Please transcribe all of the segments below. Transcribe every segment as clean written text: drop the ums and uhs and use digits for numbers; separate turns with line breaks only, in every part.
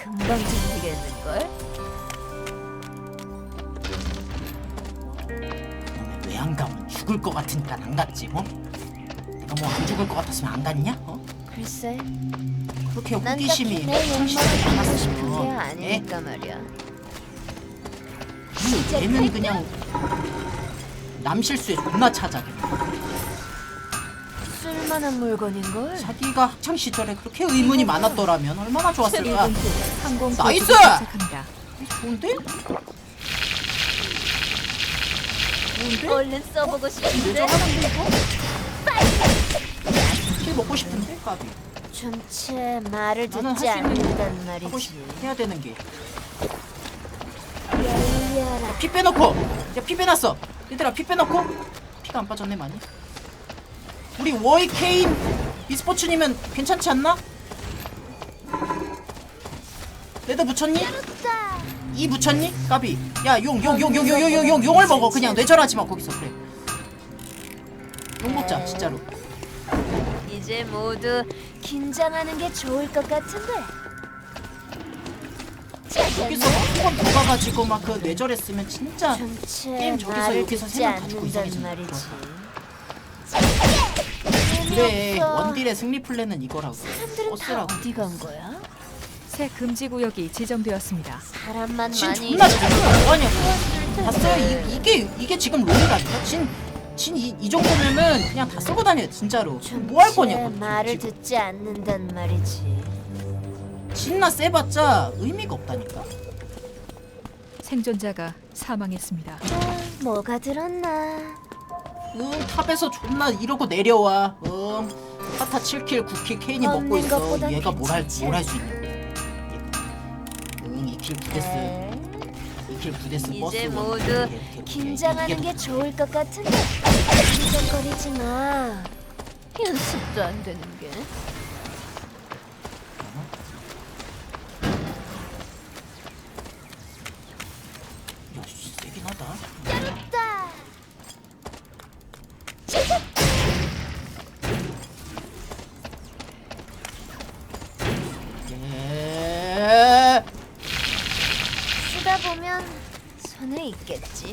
금방 잠기겠는걸?
그놈의 왜 안 가면 죽을 것 같으니까 안 갔지 뭐? 내가 뭐 안 죽을 것 같았으면 안 갔냐? 어?
글쎄,
그렇게
난
호기심이
딱히 내
창시되지
욕망을 하고 싶은 게
않았어. 예?
아니니까 말이야.
얘는 그냥 남 실수에 존나 찾아.
쓸만한 물건인걸?
자기가 학창 시절에 그렇게 의문이 많았더라면 얼마나 좋았을까.
항공
나이스!
도착합니다.
좋은데? 좋은데?
얼른 써보고 싶은데?
내정하는데 이거? 킬 먹고 싶은데? 까비.
전체 말을
나는
듣지
할수 있는
않는단
하고
말이지.
해야 되는 게.
열려라.
피 빼놓고. 이제 피 빼놨어. 얘들아 피 빼놓고. 피가 안 빠졌네 많이. 우리 워이 케인 e스포츠님은 괜찮지 않나? 레드 붙였니? 이 붙였니? 까비. 야 용 용을 먹어. 그냥 뇌절하지 마 거기서. 그래. 용 먹자 진짜로.
이제 모두 긴장하는 게 좋을 것 같은데.
여기서 한번 더 가가지고 막 그 뇌절했으면 진짜
전체
게임 저기서
말을
여기서
듣지
세명 가지고
않는단
이상해진다.
말이지.
그래
재미없어.
원딜의 승리 플랜은 이거라고.
사람들은 다
버스라고.
어디 간 거야?
새 금지 구역이 지정되었습니다.
사람만
진
많이
존나 잘하는 아니야.
있었을
봤어요?
텐데.
이게 지금 롤이라니까. 이 정도면은 그냥 다 쓰고 다녀 진짜로. 뭐 할 거냐고.
전체 말을
지금.
듣지 않는단 말이지.
진나 세봤자 의미가 없다니까.
생존자가 사망했습니다.
아, 뭐가 들었나?
탑에서 존나 이러고 내려와. 파타 7킬 9킬 케인이 먹고
없는
있어.
것보단
얘가 뭘 할 수
괜찮지
있냐고. 얘가. 2킬 9데스.
에?
2킬 9데스 버스.
이제
원.
모두
이게
긴장하는
더
게 좋을 것 같은데. 긴장거리지 마. 연습도 안 되는 게.
야, 씨, 세긴 하다.
따.
예.
쓰다 보면 손에 있겠지.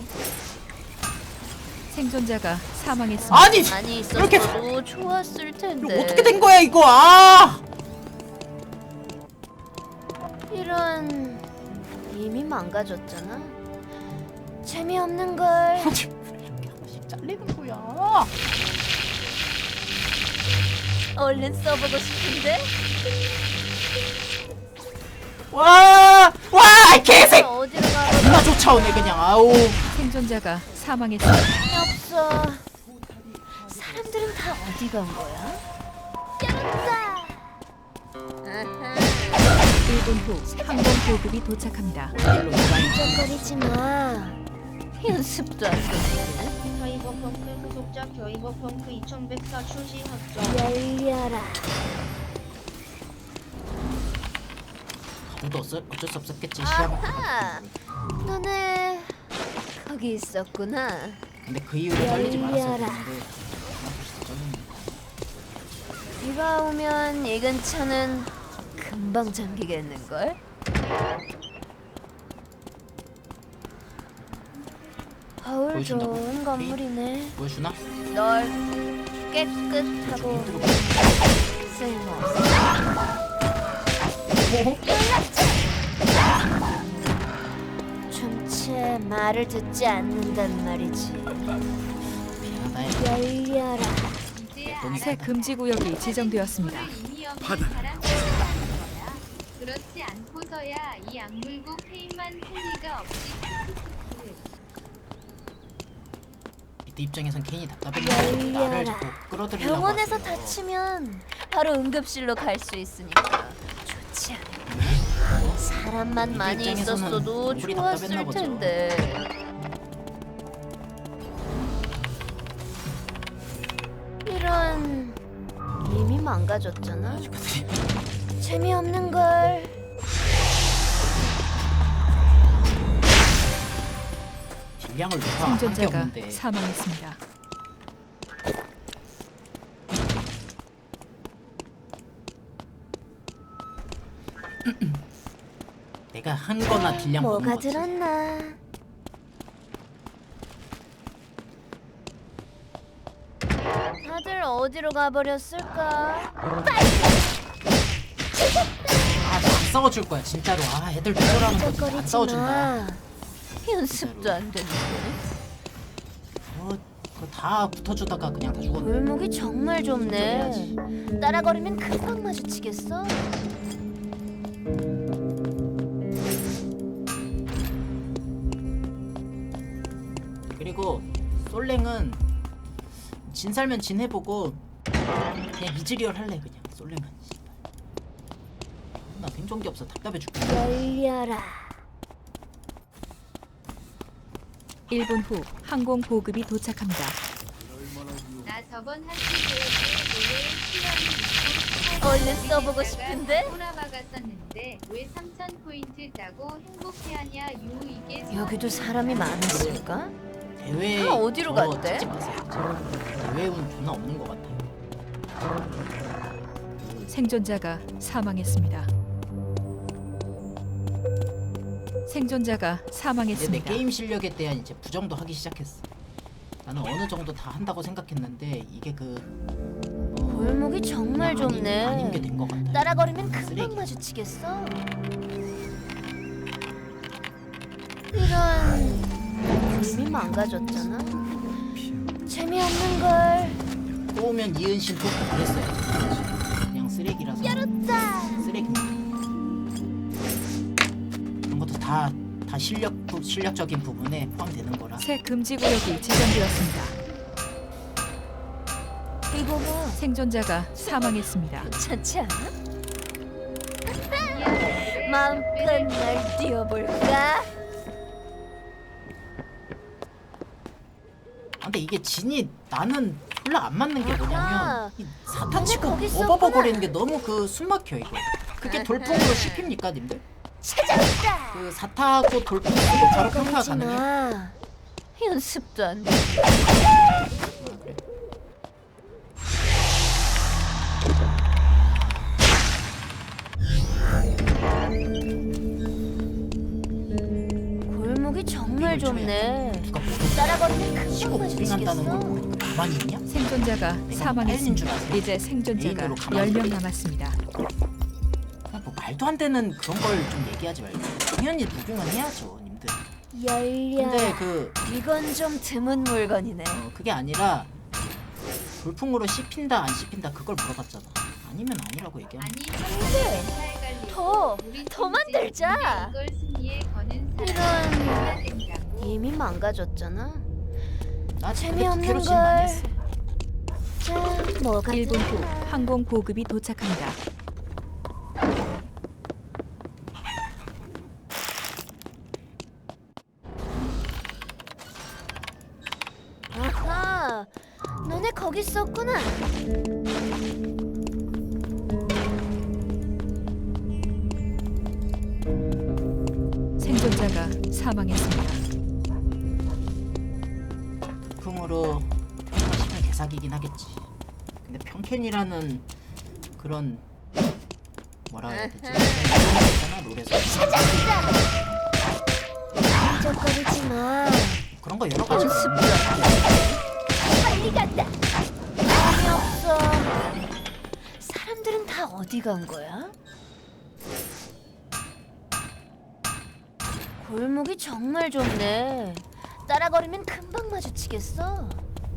생존자가 사망했습니다.
아니,
많이
이렇게
있었어도 좋았을 텐데.
어떻게 된 거야 이거? 아!
이런 이미 망가졌잖아. 재미없는 걸.
아니, 왜 이렇게 한 번씩 잘리는 거야?
얼른 써보고 싶은데.
와, 이 개색.
어디로 가고
존나 쫓아오네 그냥. 아우.
생존자가 사망했습니다.
없어. 사람들은 다 어디 간 거야? 짠다. 아하.
1분 후 항공 보급이 도착합니다.
긴장거리지 마. 연습도 안 되네.
겨이버펑크 후속작 겨이버펑크 2104 출시 확정.
열려라.
아무도 어쩔 수 없었겠지 시험.
아하. 너네 거기 있었구나.
근데 그 이후로 잘리지 말았어야
열려라.
되는데.
비가 오면 이 근처는 금방 잠기겠는걸? 거울
보여준다고?
좋은 건물이네.
보여주나?
널 깨끗하고 쓸모없어. 전체 말을 듣지 않는단 말이지.
미안하다.
열려라.
새 금지 구역이 지정되었습니다.
그렇지 않고서야 이 악물고 페인만 할 리가 없지.
이때 입장에선 케인이 답답했는데 나를
열려라.
자꾸 끌어들이려고
병원에서
하세요.
다치면 바로 응급실로 갈 수 있으니까 좋지 않아? 사람만
이들
많이
입장에서는
있었어도
얼굴이 답답했나
좋았을
보죠.
텐데. 이런 이미 망가졌잖아. 재미없는 걸.
딜량을 높아 한게
생존자가
없는데.
사망했습니다.
내가 한 거나 딜량 먹은
뭐가
거지.
들었나? 다들 어디로 가버렸을까?
아안 싸워줄 거야 진짜로. 아 애들 누구라는 거지. 안
쩍거리지
싸워준다.
마. 연습도 안 되는데.
그거 다 붙어주다가 그냥 다 죽었네.
골목이 정말 좁네. 따라거리면 금방 마주치겠어.
그리고 솔랭은 진 살면 진 해보고 그냥 이즈리얼 할래 그냥. 솔랭은 나 생존기 없어 답답해 죽겠네.
열려라.
1분 후 항공 보급이 도착합니다.
나 저번 학기 때문에
얼른 써보고 싶은데?
꼬라박았었는데 왜 3,000 포인트 따고 행복해하냐 유 이게
여기도 사람이 많았을까?
대회
다 어디로
저거
갔대?
찾지 마세요. 대회운 존나 없는 것 같아요.
생존자가 사망했습니다. 생존자가
이제 내
사망했습니다.
게임 실력에 대한 이제 부정도 하기 시작했어. 나는 어느 정도 다 한다고 생각했는데 이게 그
골목이 정말
아닌
좁네.
게 된 것 같아.
따라거리면 금방
쓰레기.
마주치겠어. 이런 이미 망가졌잖아. 재미없는 걸.
또 오면 이은신 또 그랬어요. 그냥 쓰레기라서. 쓰레기. 그런 것도 다 실력적인 부분에 포함되는 거라.
새 금지 구역이 지정되었습니다.
이거 봐.
생존자가 사망했습니다.
괜찮지 않아? 마음껏 날 뛰어볼까?
근데 이게 진이 나는 별로 안 맞는 게
아하.
뭐냐면 이 사타 치고
거기
오버버거리는 게 너무 그 숨막혀 이거. 그게
아하.
돌풍으로 씹힙니까 님들?
찾았다.
그 사타하고 돌풍 쓰고 바로 평타
거리지
가능해?
마. 연습도 안 돼. 골목이 정말 좁네.
누가
따라거리면
치고
금방
무빙한다는 걸
마주치겠어.
모르고 가만히 있냐?
생존자가
줄
사망했습니다.
아세요?
이제 생존자가
개인으로 가만히
10명
있어.
남았습니다.
그냥 뭐 말도 안 되는 그런 걸 좀 얘기하지 말고 당연히 무빙은 해야죠 님들.
열려.
근데 그
이건 좀 드문 물건이네.
그게 아니라 돌풍으로 씹힌다 안 씹힌다 그걸 물어봤잖아. 아니면 아니라고 얘기하면
아니
근데 더 만들자.
이걸 승리에 거는
이런
사람이 된다고.
이미 망가졌잖아.
나
재미없는
재미없는 걸 많이
걸.
했어.
자, 뭐가
1분 후
들까?
항공 보급이 도착합니다.
아하, 너네 거기 있었구나.
생존자가 사망했습니다.
돌풍으로 평타시면 개사기긴 하겠지. 근데 평캔이라는 그런 뭐라 해야 되지? 있잖아 롤에서
쩍거리지 마.
그런 거 여러 가지
연습도
있는데
안 돼. 빨리 간다. 재미없어. 사람들은 다 어디 간 거야? 골목이 정말 좁네. 따라거리면 금방 마주치겠어.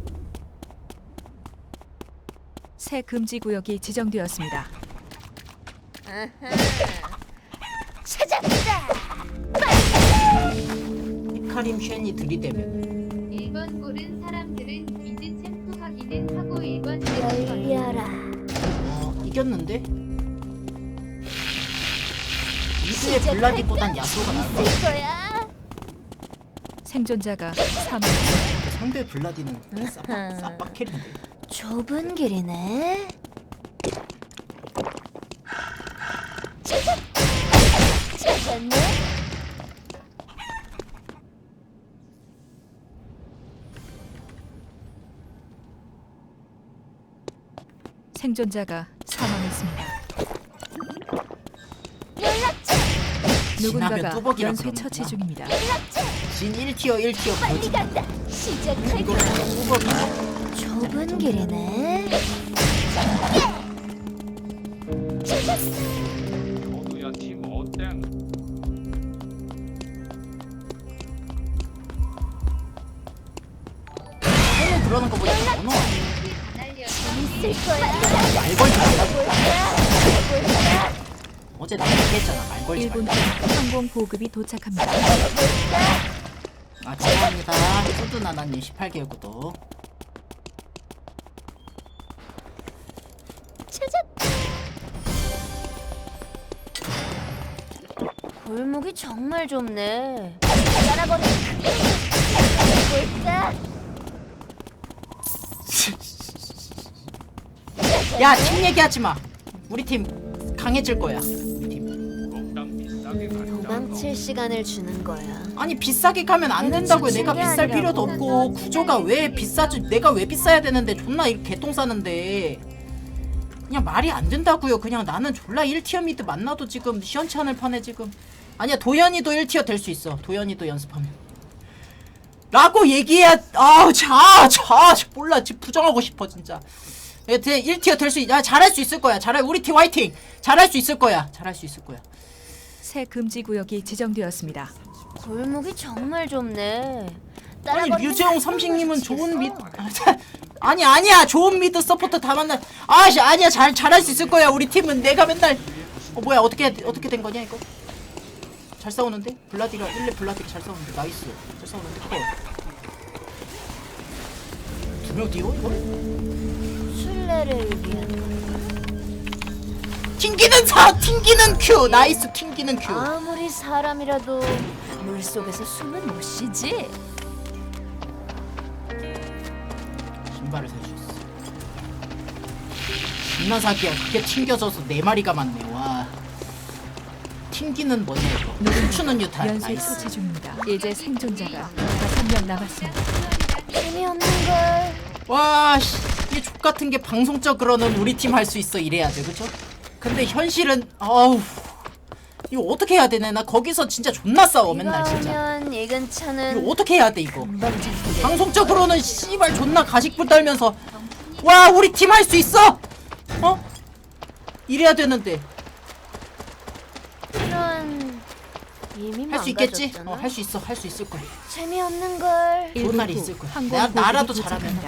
새 금지 구역이 지정되었습니다.
찾았다.
히카림 쉔이 들이대면
1번 고른 사람들은 미드 챔프 확인은 하고 1번
열려라.
이겼는데? 미드의 블라디보단 야수가 나았어.
있을 거야.
생존자가 사망했습니다.
상대 블라디는 싹박 캐리인데.
좁은 길이네. 찾았네.
생존자가 사망했습니다.
연락처
누군가가
뚜벅이라
연쇄
그러는구나.
처치 중입니다.
진 1티어 1티어
빨리
보여준다.
간다. 시작할까?
이거 뚜벅이야.
좁은 길이네.
너도야 팀 어땡.
그러는 거 보니까 번호
있을 거야.
말 걸지 말라고. 어제 나 얘기했잖아. 말 걸지
1분
말라고.
후 항공 보급이 도착합니다.
아 감사합니다. 소두나나님 18개월 구독.
골목이 정말 좁네. 따라버려. 볼까?
야, 팀 얘기하지 마. 우리 팀 강해질 거야. 우리 팀.
몽땅 비싸게 간다.
도망칠 시간을 주는 거야.
아니 비싸게 가면 안 된다고요. 내가 비쌀 필요도 없고 구조가 왜 비싸지? 내가 왜 비싸야 되는데 존나 이렇게 개똥 싸는데 그냥 말이 안 된다고요. 그냥 나는 졸라 1티어 미드 만나도 지금 시원치 않을 판에 지금 아니야 도현이도 1티어 될 수 있어. 도현이도 연습하면 라고 얘기해야 자 몰라 지금 부정하고 싶어 진짜. 1티어 될 수 있.. 야 잘할 수 있을 거야. 잘할 우리 팀 화이팅. 잘할 수 있을 거야. 잘할 수 있을 거야.
새 금지 구역이 지정되었습니다.
골목이 정말 좁네.
아니 류재홍 삼식님은 좋은 미드 아니야 좋은 미드 서포터 다 만나 아니야 잘할 수 있을 거야. 우리 팀은 내가 맨날 뭐야 어떻게 된 거냐 이거. 잘 싸우는데 블라디가 1렙 블라디가 잘 싸우는데 나이스 잘 싸우는데 그거 2명 뛰어 이거
순례를 위한
튕기는 큐 나이스 튕기는 큐.
아무리 사람이라도 물속에서 숨은 못 쉬지.
신발을 살 수 있어. 존나 사기야. 그게 튕겨져서 4마리가 많네. 와 튕기는 뭐냐 이거. 춤추는 유탄
연쇄
나이스.
처치 중입니다. 이제 생존자가 5명 남았습니다.
재미없는 걸.
와, 씨, 이 족같은 게 방송적으로는 우리 팀 할 수 있어 이래야 돼, 그죠? 근데 현실은 이거 어떻게 해야 되네? 나 거기서 진짜 존나 싸워 맨날 진짜.
오면 이 근처는
이거 어떻게 해야 돼 이거?
금방 잡히게.
방송적으로는 씨발 존나 가식불 떨면서 와 우리 팀 할 수 있어? 이래야 되는데
이런 이미
할 수 있겠지?
망가졌잖아.
할 수 있어, 할 수 있을 거야.
재미없는 걸.
좋은 날이 있을 거야. 나라도 잘하면.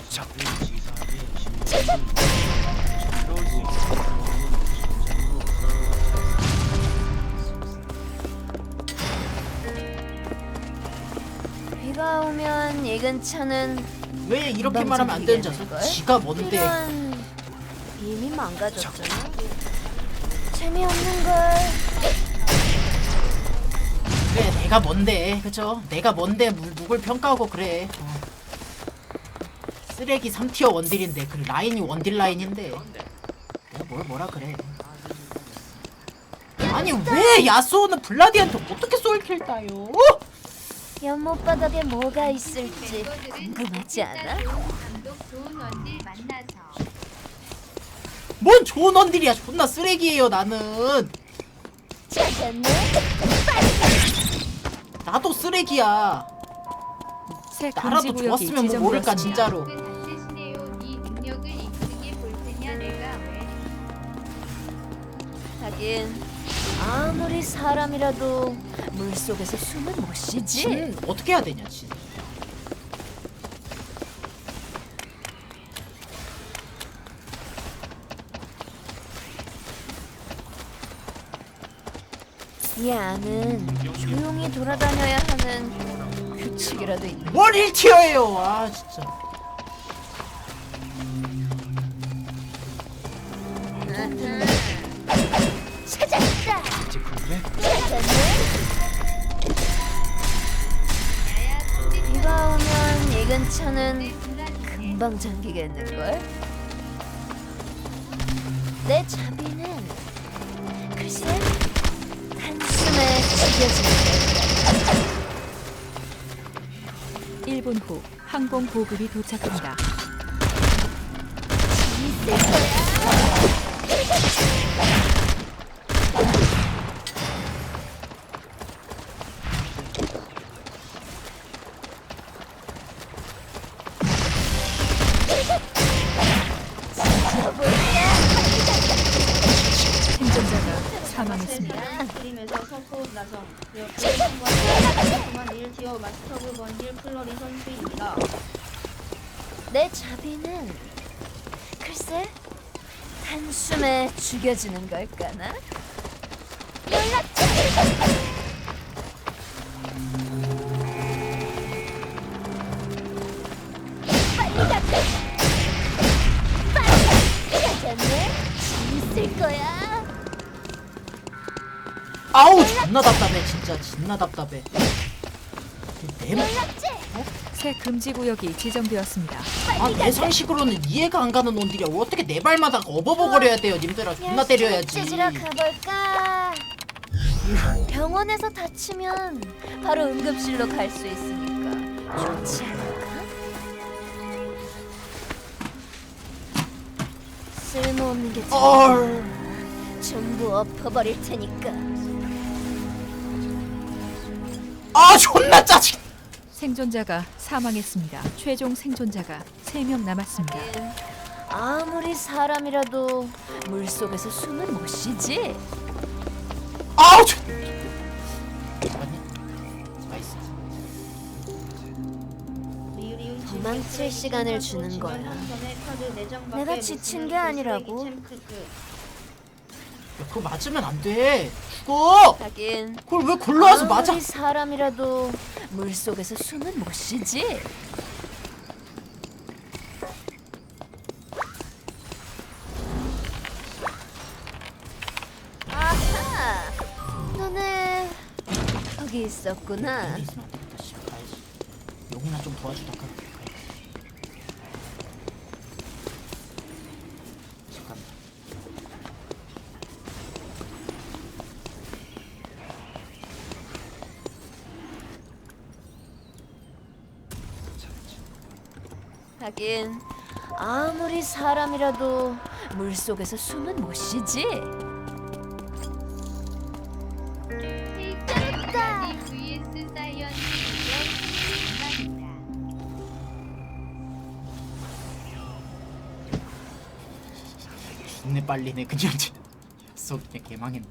비가 오면 이 근처는
왜 이렇게
금방
말하면 안 되는 줄
잡히겠는
알았어?
걸?
지가 뭔데?
이런 이미 망가졌잖아. 재미없는 걸.
그래 내가 뭔데 그죠? 내가 뭔데 누굴 평가하고 그래. 쓰레기 3티어 원딜인데 그 라인이 원딜 라인인데 내가 뭐라 그래. 아니 왜 야스오는 블라디한테 어떻게 솔킬 따요?
연못 바닥에 뭐가 있을지 궁금하지 않아?
감독 좋은 원딜 만나서
뭔 좋은 원딜이야. 존나 쓰레기예요 나는.
찾았네.
나도 쓰레기야.
새 금지
나라도
구역이
좋았으면 뭐 모를까
지정되었습니다.
진짜로.
다쓰시네요. 네 능력을 이쁘게 볼 테냐 내가 왜
하긴 아무리 사람이라도 물속에서 숨은 못 쉬지.
진 어떻게 해야 되냐 진.
이 안은 조용히 돌아다녀야 하는 규칙이라도 있는.
뭘 1티어예요. 아 진짜.
찾았다. 찾았네. 비가 오면 이 근처는 금방 잠기겠는걸? 내 자비는 글쎄 한숨에 지겨지는
1분 후 항공 보급이 도착합니다.
있을 거야. 아니야.
스트림에서 서포 나성 역대 통과한 1티어 마스터브 번질 플러리 선수입니다.
내 자비는 글쎄 한숨에 죽여지는 걸까나? 연락처! 빨리 갔다! 빨리! 찾았네? 재밌을 거야.
아우 존나 답답해 진짜 존나 답답해. 내
연락처!
새 금지 구역이 지정되었습니다.
내 상식으로는 이해가 안 가는 놈들이야. 어떻게 내 발마다 어버버거려야 돼요 님들아. 존나 때려야지.
찌질아 가볼까? 병원에서 다치면 바로 응급실로 갈 수 있으니까 좋지 않을까? 쓸모없는 게 전부 엎어버릴 테니까.
아 존나 짜증.
생존자가 사망했습니다. 최종 생존자가 3명 남았습니다.
아무리 사람이라도 물 속에서 숨은 못 쉬지.
아우 존. 나이스.
도망칠 시간을 주는 거야. 내가 지친 게 아니라고.
야, 그거 맞으면 안 돼. 죽어.
하긴
그걸 왜 골라와서 맞아?
아무리 사람이라도 물 속에서 숨은 못 쉬지. 아하, 너네 거기 있었구나.
있으면 안 되겠다. 씨, 가야지. 용이나 좀 도와주다 가. 잠깐.
하긴 아무리 사람이라도 물 속에서 숨은 못 쉬지.
테이크까지 vs 사이언이 이겨
존내 빨리네 그냥. jas어 그냥 개망했네.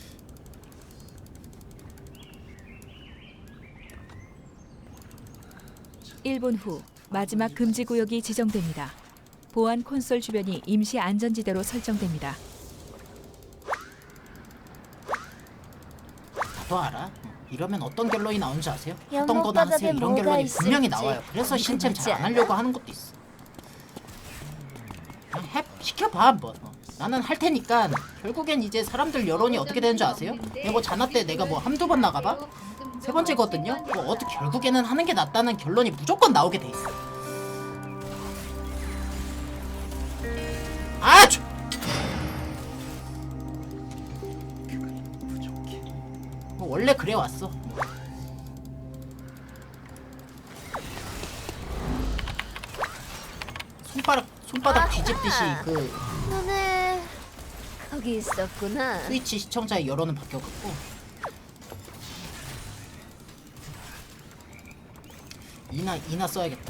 일 분 후 마지막 금지 구역이 지정됩니다. 보안 콘솔 주변이 임시 안전지대로 설정됩니다.
나도 알아. 이러면 어떤 결론이 나오는지 아세요? 하던
연못
거나 하세요.
바닥에
이런
뭐가
결론이 분명히
있을지
나와요. 그래서 신챔
궁금하지
잘 안
않아?
하려고 하는 것도 있어. 그냥 시켜봐 한번. 나는 할 테니까. 결국엔 이제 사람들 여론이 어떻게 되는 줄 아세요? 이거 자나 때 내가 뭐 한두 번 나가봐? 3번째거든요? 뭐 어떻게 결국에는 하는 게 낫다는 결론이 무조건 나오게 돼 있어. 아! 뭐 원래 그래 왔어. 손바닥 뒤집듯이 그
너네 거기 있었구나.
스위치 시청자의 여론은 바뀌어갖고 이나 써야겠다.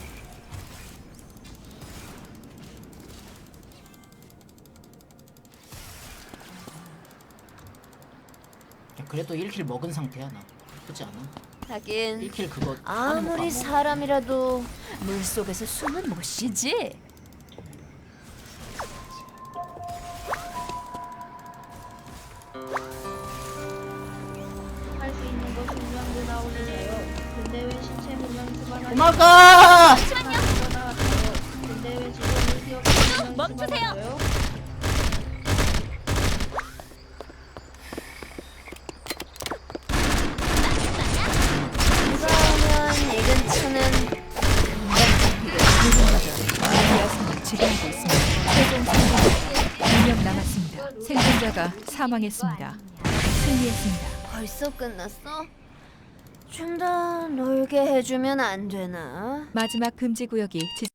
야, 그래도 1킬 먹은 상태야 나. 나쁘지 않아.
하긴
1킬 그거 하는 거
아무리
봐.
사람이라도 물 속에서 숨은 못 쉬지.
할 수 있는 거 분명히 나오세요. 근데 왜 신체 분명 수반하지?
도망가!
근데 왜 지금 1티어
멈추세요. 누가 오면 이 근처는
미아스는 지배하고 있습니다. 최종 생존자 2명 남았습니다. 생존자가 사망했습니다. 승리했습니다.
벌써 끝났어? 좀 더 놀게 해주면 안 되나?
마지막 금지 구역이